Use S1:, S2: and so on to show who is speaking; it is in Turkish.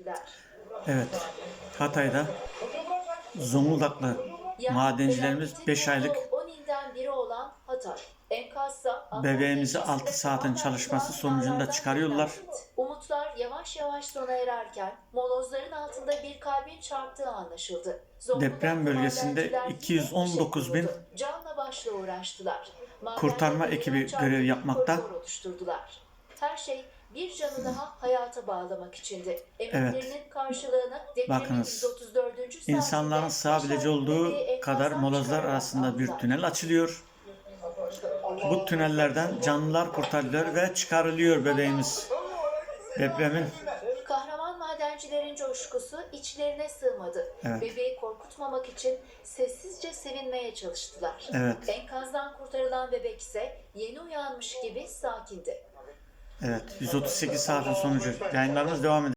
S1: Evet, Hatay'da Zonguldaklı madencilerimiz 5 aylık
S2: 10 ilden biri olan Hatay. Enkazsa
S1: bebeğimizi 6 saatin çalışması sonucunda çıkarıyorlar.
S2: Umutlar yavaş yavaş sona ererken molozların altında bir kalbin çarptığı anlaşıldı.
S1: Deprem bölgesinde 219 bin
S2: canla başla uğraştılar.
S1: kurtarma ekibi görev yapmakta.
S2: Her şey bir canı daha hayata bağlamak içindi.
S1: Evet.
S2: Emeklerinin karşılığını
S1: Bakınız,
S2: 134.
S1: insanların sığabileceği olduğu kadar molozlar arasında bir tünel açılıyor. Bu tünellerden canlılar kurtarılıyor ve çıkarılıyor bebeğimiz. Depremin
S2: Kahraman madencilerin coşkusu içlerine sığmadı.
S1: Evet.
S2: Bebeği korkutmamak için sessizce sevinmeye çalıştılar.
S1: Evet.
S2: Enkazdan kurtarılan bebek ise yeni uyanmış gibi sakindi.
S1: Evet, 138 saatin sonucu. Yayınlarımız devam ediyor.